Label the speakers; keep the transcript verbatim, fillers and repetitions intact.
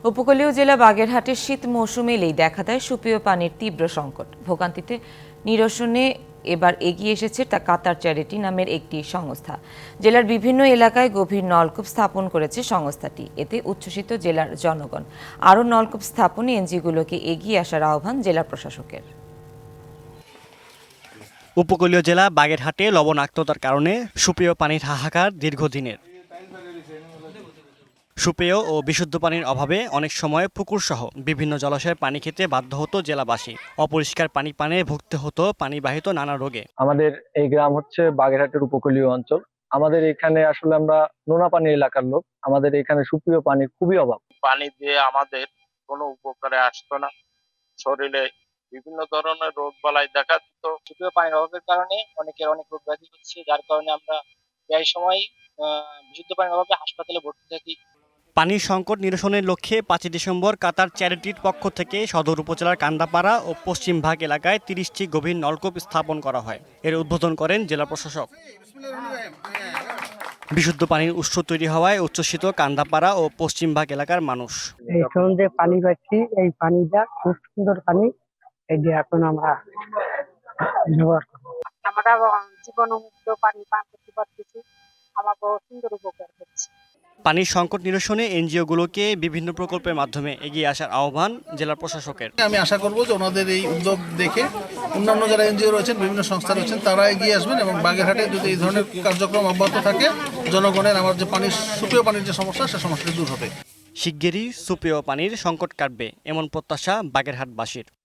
Speaker 1: উপকূলীয় জেলা বাগেরহাটের শীত মৌসুমে এলেই দেখা দেয় সুপেয় পানির তীব্র সংকট। ভোগান্তিতে নিরসনে এবার এগিয়ে এসেছে তা কাতার চ্যারিটি নামের একটি সংস্থা। জেলার বিভিন্ন এলাকায় গভীর নলকূপ স্থাপন করেছে সংস্থাটি। এতে উচ্ছ্বসিত জেলার জনগণ। আরও নলকূপ স্থাপনে এনজিওগুলোকে এগিয়ে আসার আহ্বান জেলা প্রশাসকের।
Speaker 2: উপকূলীয় জেলা বাগেরহাটে লবণাক্ততার কারণে সুপেয় পানির হাহাকার দীর্ঘদিনের। সুপেয় ও বিশুদ্ধ পানির অভাবে অনেক সময় পুকুরসহ বিভিন্ন জলাশয়ের পানি খেতে বাধ্য হতো জেলাবাসী। অপরিষ্কার পানি পানে ভুগতে হতো পানিবাহিত নানা রোগে।
Speaker 3: আমাদের এই গ্রাম হচ্ছে বাগেরহাটের উপকূলীয় অঞ্চল। আমাদের এখানে আসলে আমরা নোনা পানির এলাকার লোক। আমাদের এখানে সুপেয় পানির খুবই অভাব।
Speaker 4: পানি দিয়ে আমাদের কোনো উপকারে আসতো না, শরীরে বিভিন্ন ধরনের রোগ বালাই দেখা দিত।
Speaker 5: সুপেয় পানির অভাবের কারণে অনেকের অনেক রোগ ব্যাধি হচ্ছে, যার কারণে আমরা প্রায় সময় বিশুদ্ধ পানির অভাবে হাসপাতালে ভর্তি থাকি।
Speaker 2: পানির সংকট নিরসনের লক্ষ্যে পাঁচই ডিসেম্বর কাতার চ্যারিটির পক্ষ থেকে সদর উপজেলার কান্দাপাড়া ও পশ্চিমভাগ এলাকায় তিরিশটি গভীর নলকূপ স্থাপন করা হয়। এর উদ্বোধন করেন জেলা প্রশাসক। বিশুদ্ধ পানির উৎস তৈরি হওয়ায় উচ্ছ্বসিত কান্দাপাড়া ও পশ্চিমভাগ এলাকার মানুষ।
Speaker 6: এখন যে পানি পাচ্ছি, এই পানিটা খুব সুন্দর পানি। এই যে এখন আমরা ব্যবহার করবো।
Speaker 7: আমরা জীবনমুক্ত পানি পান করতে পারতেছি, আমাকে সুন্দর উপকার করছে।
Speaker 2: পানির সংকট নিরসনে এনজিওগুলোকে বিভিন্ন প্রকল্পের মাধ্যমে এগিয়ে আসার আহ্বান জেলা প্রশাসকের।
Speaker 8: আমি আশা করব যে ওনাদের এই উদ্যোগ দেখে অন্যান্য যারা এনজিও রয়েছেন, বিভিন্ন সংস্থা রয়েছেন, তারা এগিয়ে আসবেন এবং বাগেরহাটে যদি এই ধরনের কার্যক্রম অব্যাহত থাকে, জনগণের আমার যে পানির সুপেয় পানির যে সমস্যা, সে সমস্যাটি দূর হবে।
Speaker 2: শিগগিরই সুপেয় পানির সংকট কাটবে এমন প্রত্যাশা বাগেরহাটবাসীর।